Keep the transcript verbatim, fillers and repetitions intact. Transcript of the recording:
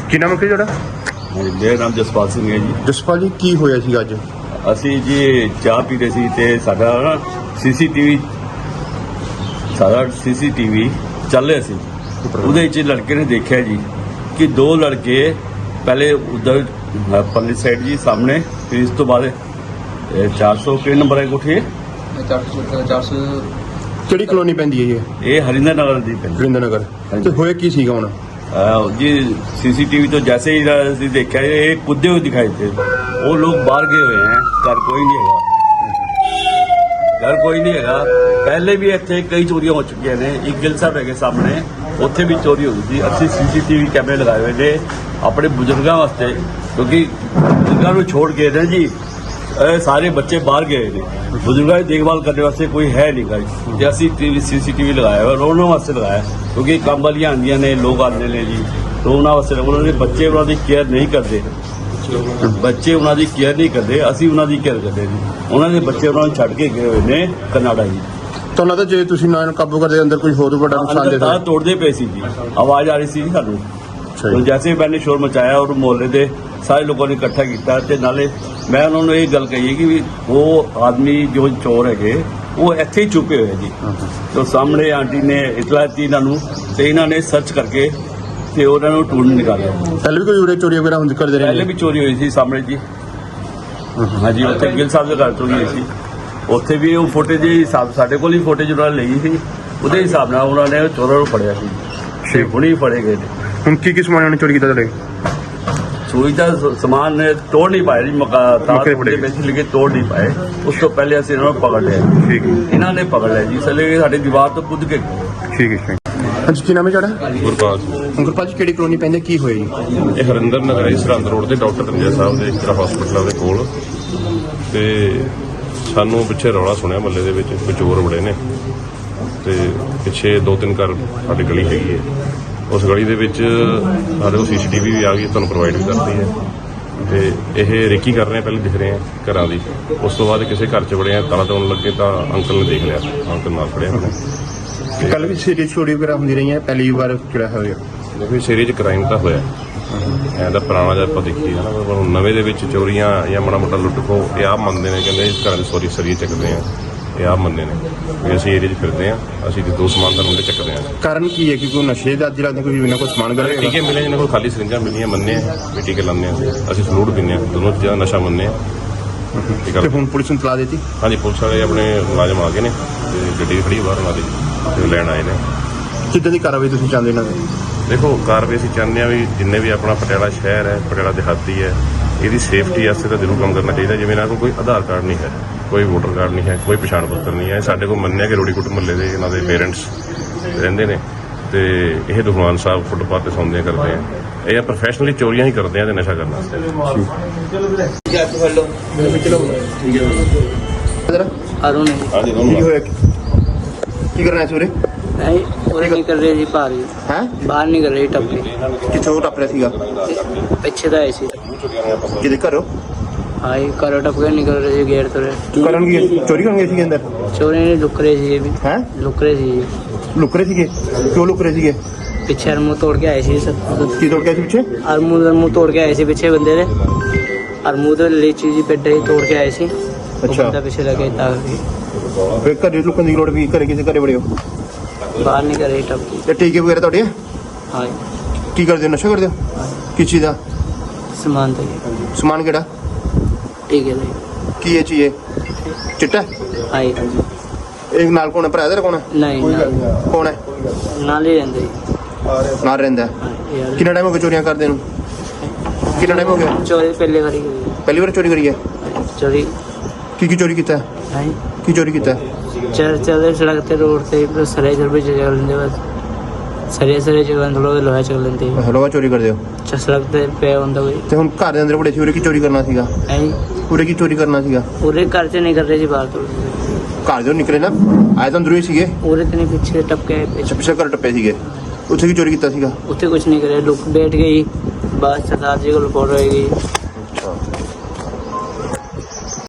ਕੀ ਨਾਮ ਹੈ ਤੁਹਾਡਾ? ਮੇਰਾ ਨਾਮ ਜਸਪਾਲ ਸਿੰਘ ਹੈ ਜੀ। ਜਸਪਾਲ ਜੀ, ਕੀ ਹੋਇਆ ਸੀ ਅੱਜ? ਅਸੀਂ ਜੀ ਚਾਹ ਪੀ ਰਹੇ ਸੀ ਤੇ ਸਾਡਾ ਨਾ ਸੀਸੀਟੀਵੀ ਸਾਡਾ ਸੀਸੀਟੀਵੀ ਚੱਲ ਰਿਹਾ ਸੀ। ਉਹਦੇ ਵਿੱਚ ਲੜਕੇ ਨੇ ਦੇਖਿਆ ਜੀ ਕਿ ਦੋ ਲੜਕੇ ਪਹਿਲੇ ਉਧਰ ਪਰਲੀ ਸਾਈਡ ਜੀ ਸਾਹਮਣੇ, ਫਿਰ ਇਸ ਤੋਂ ਬਾਅਦ ਚਾਰ ਸੌ ਕਿਹੜੇ ਨੰਬਰ ਹੈ ਕੋਠੀ? ਚਾਰ ਸੌ ਕਿਹੜੀ ਕਲੋਨੀ ਪੈਂਦੀ ਹੈ ਇਹ? ਇਹ ਹਰਿੰਦਰ ਨਗਰ ਦੀ ਪੈਂਦੀ। ਵਰਿੰਦਰ ਨਗਰ। ਤੇ ਹੋਇਆ ਕੀ ਸੀਗਾ ਹੁਣ? ਅਹ ਜੀ सीसीटीवी तो जैसे ही ਅਸੀਂ ਦੇਖਿਆ ਇਹ ਕੁੱਦੇ ਹੋਏ ਦਿਖਾਈ थे। वो लोग बाहर गए हुए हैं, घर कोई नहीं ਹੈਗਾ, घर कोई नहीं ਹੈਗਾ। ਪਹਿਲੇ ਵੀ ਇੱਥੇ ਕਈ ਚੋਰੀਆਂ ਹੋ ਚੁੱਕੀਆਂ ਨੇ। ਇੱਕ ਗਿੱਲ ਸਾਹਿਬ ਹੈਗੇ ਸਾਹਮਣੇ, ਉੱਥੇ ਵੀ ਚੋਰੀ ਹੋਈ ਸੀ। ਅਸੀਂ ਸੀਸੀਟੀਵੀ ਕੈਮਰੇ ਲਗਾਏ ਹੋਏ ਨੇ ਆਪਣੇ ਬਜ਼ੁਰਗਾਂ ਵਾਸਤੇ, ਕਿਉਂਕਿ ਬਜ਼ੁਰਗਾਂ ਨੂੰ ਛੋੜ ਕੇ ਨਾ ਜੀ ਇਹ ਸਾਰੇ ਬੱਚੇ ਬਾਹਰ ਗਏ ਨੇ। ਬਜ਼ੁਰਗਾਂ ਦੀ ਦੇਖਭਾਲ ਕਰਨ ਵਾਸਤੇ ਕੋਈ ਹੈ ਨਹੀਂ ਗਾ ਜੀ। ਤੇ ਅਸੀਂ ਟੀਵੀ ਸੀਸੀਟੀਵੀ ਲਗਾਇਆ ਹੋਇਆ, ਉਹਨਾਂ ਵਾਸਤੇ ਲਗਾਇਆ, ਕਿਉਂਕਿ ਕੰਮ ਵਾਲੀਆਂ ਆਉਂਦੀਆਂ ਨੇ, ਲੋਕ ਆਉਂਦੇ ਨੇ ਜੀ, ਤਾਂ ਉਹਨਾਂ ਵਾਸਤੇ। ਉਹਨਾਂ ਦੇ ਬੱਚੇ ਉਹਨਾਂ ਦੀ ਕੇਅਰ ਨਹੀਂ ਕਰਦੇ, ਬੱਚੇ ਉਹਨਾਂ ਦੀ ਕੇਅਰ ਨਹੀਂ ਕਰਦੇ, ਅਸੀਂ ਉਹਨਾਂ ਦੀ ਕੇਅਰ ਕਰਦੇ ਜੀ। ਉਹਨਾਂ ਦੇ ਬੱਚੇ ਉਹਨਾਂ ਨੂੰ ਛੱਡ ਕੇ ਗਏ ਹੋਏ ਨੇ ਕਨਾਡਾ ਜੀ। ਤੁਹਾਨੂੰ ਲੱਗਦਾ ਜੇ ਤੁਸੀਂ ਨਾ ਕਾਬੂ ਕਰਦੇ ਅੰਦਰ ਕੋਈ ਹੋਰ ਵੱਡਾ ਨੁਕਸਾਨ ਦੇ ਤਾਂ ਤੋੜਦੇ ਪਏ ਸੀ ਜੀ, ਆਵਾਜ਼ ਆ ਰਹੀ ਸੀ ਸਾਨੂੰ। तो जैसे ही मैंने शोर मचाया और मोहल्ले के सारे लोगों ने इकट्ठा किया, ते नाले मैं उन्होंने ये गल कही है कि वो आदमी जो चोर है वो इत्थे ही छुपे हुए जी। तो सामने आंटी ने इतला दी इन्हों, तो इन्होंने सर्च करके ते उन्होंने ढूंढ निकाला। पहले भी कोई उरे चोरी वगैरह होंदी करदे रहे? पहले भी चोरी हुई थी सामने जी। हाँ जी, उत्थे गिल साहब के घर चोरी हुई थी। उत्थे भी वो फुटेज हिसाब साढ़े कोल ही फुटेज उन्होंने ली थी, उहदे हिसाब नाल उन्होंने चोरों को फड़िया सी। छे हुणे ही फड़े गए थे। ਹੁਣ ਕੀ ਕੀ ਸਮਾਨ ਉਹਨੇ ਚੋਰੀ ਕੀਤਾ ਤੁਹਾਡੇ? चोरी का समान तोड़ नहीं पाए जी, मकान लेके तोड़ नहीं पाए। उस तो पहले असं इन्होंने पकड़ लिया। ठीक है, इन्होंने पकड़ लिया जी, इसलिए साड़ी दीवार तो कूद के। ठीक है। ਹਾਂਜੀ, ਕੀ ਨਾਮ ਹੈ ਤੁਹਾਡਾ? ਗੁਰਪਾਲ ਗੁਰਪਾਲ ਜੀ, ਕਿਹੜੀ ਕਲੋਨੀ ਪੈਂਦੀ, ਕੀ ਹੋਇਆ ਜੀ? ਇਹ ਹਰਿੰਦਰ ਨਗਰ ਹੈ, ਸਰਹੰਦ ਰੋਡ ਤੇ ਡਾਕਟਰ ਰੰਜਾ ਸਾਹਿਬ ਦੇ ਜਿਹੜਾ ਹਸਪੀਟਲ ਦੇ ਕੋਲ। ਤੇ ਸਾਨੂੰ ਪਿੱਛੇ ਰੌਲਾ ਸੁਣਿਆ ਮਹੱਲੇ ਦੇ ਵਿੱਚ ਕੋਈ ਚੋਰ ਬੜੇ ਨੇ, ਤੇ ਪਿੱਛੇ ਦੋ ਤਿੰਨ ਘਰ ਸਾਡੀ ਗਲੀ ਹੈਗੀ ਹੈ। ਉਸ ਗਲੀ ਦੇ ਵਿੱਚ ਸਾਡੇ ਕੋਲ ਸੀਸੀਟੀਵੀ ਵੀ ਆ ਗਈ, ਤੁਹਾਨੂੰ ਪ੍ਰੋਵਾਈਡ ਵੀ ਕਰਦੀ ਹੈ। ਤੇ ਇਹ ਰੇਕੀ ਕਰ ਰਹੇ ਆ, ਪਹਿਲੇ ਦਿਖ ਰਹੇ ਆ ਘਰਾਂ ਦੀ। ਉਸ ਤੋਂ ਬਾਅਦ ਕਿਸੇ ਘਰ 'ਚ ਵੜੇ ਆ, ਤਾਲਾ ਤੋੜਨ ਲੱਗੇ ਤਾਂ ਅੰਕਲ ਨੇ ਦੇਖ ਲਿਆ, ਅੰਕਲ ਨਾਲ ਖੜਿਆ ਉਹਨੇ। ਕੱਲ ਵੀ ਸੀਰੀਅਸ ਚੋਰੀ ਵਗੈਰਾ ਹੁੰਦੀ ਰਹੀ ਹੈ, ਪਹਿਲੀ ਵਾਰ ਜਿਹੜਾ ਹੋਇਆ? ਦੇਖੋ ਇਸ ਏਰੀਏ 'ਚ ਕ੍ਰਾਈਮ ਤਾਂ ਹੋਇਆ, ਐਂ ਤਾਂ ਪੁਰਾਣਾ ਜਿਹਾ ਆਪਾਂ ਦੇਖੀਏ ਨਾ, ਪਰ ਹੁਣ ਨਵੇਂ ਦੇ ਵਿੱਚ ਚੋਰੀਆਂ ਜਾਂ ਮਾੜਾ ਮੋਟਾ ਲੁੱਟ ਖੋ ਇਹ ਆਪ ਮੰਨਦੇ ਨੇ, ਕਹਿੰਦੇ ਘਰਾਂ ਦੇ ਸੋਰੀ ਸਰੀਏ ਚੱਕਦੇ ਆ, ਇਹ ਆਪ ਮੰਨਦੇ ਨੇ ਵੀ ਅਸੀਂ ਏਰੀਏ 'ਚ ਫਿਰਦੇ ਆ, ਅਸੀਂ ਦੋ ਸਮਾਨ ਦਾ ਮੁੰਡੇ ਚੱਕਦੇ ਆ। ਕਾਰਨ ਕੀ ਹੈ ਕਿ ਕੋਈ ਨਸ਼ੇ ਦਾ ਅੱਜ ਲੱਗਦਾ ਕੋਈ ਬਿਨਾਂ ਕੋਈ ਸਮਾਨ ਕਰੇ? ਟੀਕੇ ਮਿਲੇ, ਜਿਹਨਾਂ ਕੋਲ ਖਾਲੀ ਸਰਿੰਜਾਂ ਮਿਲੀਆਂ ਮੰਨੇ ਆ ਵੀ ਟੀਕੇ ਲਾਉਂਦੇ ਆ, ਅਸੀਂ ਫਲੂਡ ਪੀਂਦੇ ਆ, ਦੋਨੋਂ ਚੀਜ਼ਾਂ ਨਸ਼ਾ ਮੰਨੇ ਆ। ਤੇ ਹੁਣ ਪੁਲਿਸ ਨੂੰ ਤਲਾ ਦਿੱਤੀ? ਹਾਂਜੀ, ਪੁਲਿਸ ਵਾਲੇ ਆਪਣੇ ਮੁਲਾਜ਼ਮ ਆ ਗਏ ਨੇ ਤੇ ਗੱਡੀ ਖੜੀ ਬਾਹਰ ਉਹਨਾਂ ਦੀ ਤੇ ਲੈਣ ਆਏ ਨੇ। ਕਿੱਦਾਂ ਦੀ ਕਾਰਵਾਈ ਤੁਸੀਂ ਚਾਹੁੰਦੇ ਇਹਨਾਂ ਦੀ? ਦੇਖੋ ਕਾਰਵਾਈ ਅਸੀਂ ਚਾਹੁੰਦੇ ਹਾਂ ਵੀ ਜਿੰਨੇ ਵੀ ਆਪਣਾ ਪਟਿਆਲਾ ਸ਼ਹਿਰ ਹੈ, ਪਟਿਆਲਾ ਦਿਹਾਤੀ ਹੈ, ਇਹਦੀ ਸੇਫਟੀ ਵਾਸਤੇ ਤਾਂ ਜ਼ਰੂਰ ਕੰਮ ਕਰਨਾ ਚਾਹੀਦਾ। ਜਿਵੇਂ ਇਹਨਾਂ ਕੋਲ ਕੋਈ ਆਧਾਰ ਕਾਰਡ ਨਹੀਂ ਹੈ, ਕੋਈ ਵੋਟਰ ਕਾਰਡ ਨਹੀਂ ਹੈ, ਕੋਈ ਪਛਾਣ ਪੱਤਰ ਨਹੀਂ ਹੈ। ਸਾਡੇ ਕੋਲ ਮੰਨਿਆ ਕਿ ਰੋੜੀਕੁੱਟ ਮੁਹੱਲੇ ਦੇ ਇਹਨਾਂ ਦੇ ਪੇਰੈਂਟਸ ਰਹਿੰਦੇ ਨੇ ਤੇ ਇਹ ਦੁਕਾਨ ਸਾਹਿਬ ਫੁੱਟਪਾਥ ਤੇ ਸੌਂਦੇ ਕਰਦੇ ਆ। ਇਹ ਪ੍ਰੋਫੈਸ਼ਨਲੀ ਚੋਰੀਆਂ ਹੀ ਕਰਦੇ ਆ ਤੇ ਨਸ਼ਾ ਕਰਨ ਵਾਸਤੇ। अरुण ਹਾਂਜੀ ਕੀ ਹੋਇਆ, ਕੀ ਕਰਨਾ ਸੀ ਉਰੇ? नहीं पूरे नहीं कर रहे जी, बाहर ही ਹੈ बाहर नहीं कर रहे टप्पे ਕਿੱਥੋਂ ਟੱਪ ਰਿਹਾ ਸੀਗਾ? पीछे तो ऐसे ਕਿਹਦੇ ਘਰੋਂ? हाँ ये करो टप के निकल रहे जी, गेट तो रहे ਕਰਨ ਕੀ ਚੋਰੀ ਕਰਨ ਗਏ ਸੀਗੇ ਅੰਦਰ? चोरी नहीं लुक रहे थे ये भी, ਹੈ लुक रहे थे ये ਲੁਕ ਰਹੇ ਸੀਗੇ? ਕਿਉਂ ਲੁਕ ਰਹੇ ਸੀਗੇ? पीछे और मुंह तोड़ के आए थे सब, ਕੀ ਤੋੜ ਕੇ ਸੀ ਪਿੱਛੇ? और मुंह मुंह तोड़ के आए थे पीछे बंदे ने, और मुंह तो लीची जी पेट ही तोड़ के आए थे। अच्छा। बंदा पीछे लगे ताकि ਫਿਰ ਘਰੇ ਲੁਕਣ ਦੀ ਲੋੜ ਵੀ, ਘਰੇ ਕਿਸੇ ਘਰੇ ਬੜੇ ਹੋ? बाहर नहीं कर रहे टप्पे। ਤੇ ਟੀਕੇ ਵਗੈਰਾ ਤੁਹਾਡੇ? हाँ ਕੀ ਕਰਦੇ ਹੋ, ਨਸ਼ਾ ਕਰਦੇ ਹੋ? हाँ, ਕਿਸ ਚੀਜ਼ ਦਾ सामान तो ये ਸਮਾਨ? ਕਿਹੜਾ? ठीक है भाई। ਕੀ ਇਹ ਚੀਜ਼ ਹੈ? ਚਿੱਟਾ? हाँ जी, ਇਹ ਨਾਲ ਕੌਣ ਹੈ, ਭਰਾ ਦਾ ਕੌਣ ਹੈ? नहीं ना ਕੌਣ ਹੈ? नाल ही रहते जी। ਨਾਲ ਰਹਿੰਦਾ ਹੈ। हाँ यार ਕਿੰਨਾ ਟਾਈਮ ਹੋ ਗਿਆ ਚੋਰੀਆਂ ਕਰਦੇ ਨੂੰ? ਕਿੰਨਾ ਟਾਈਮ ਹੋ ਗਿਆ? चोरी पहले करी गई ਪਹਿਲੀ ਵਾਰ ਚੋਰੀ ਕਰੀ ਹੈ? चोरी ਕੀ ਕੀ ਚੋਰੀ ਕੀਤਾ ਹੈ? है ਕੀ ਚੋਰੀ ਕੀਤਾ ਹੈ? चल चलते सड़क ते रोड ते सरे चल भी चल लेंदे, बस सरे सरे जगह थोड़ा लोहा चल लेंदे, ਲੋਹਾ ਚੋਰੀ ਕਰਦੇ ਹੋ? च सड़क ते पे ਹੁੰਦਾ कोई ਤੇ ਹੁਣ ਘਰ ਦੇ ਅੰਦਰ ਬੜੇ ਸੀ, ਉਰੇ ਕੀ ਚੋਰੀ ਕਰਨਾ ਸੀਗਾ? है ਉਰੇ ਕੀ ਚੋਰੀ ਕਰਨਾ ਸੀਗਾ? पूरे घर से नहीं कर रहे जी, बाहर तो ਘਰ ਦੇ ਨਿਕਲੇ ਨਾ, ਆਏ ਤਾਂ ਅੰਦਰੋਂ ਹੀ ਸੀਗੇ? पूरे ते नहीं पीछे टपके ਅੱਛਾ, ਪਿੱਛੇ ਘਰ ਟੱਪੇ ਸੀਗੇ, ਉੱਥੇ ਕੀ ਚੋਰੀ ਕੀਤਾ ਸੀਗਾ? उत्ते कुछ नहीं करे, लुक बैठ गई, बस सरदार जी को रिपोर्ट हो गई।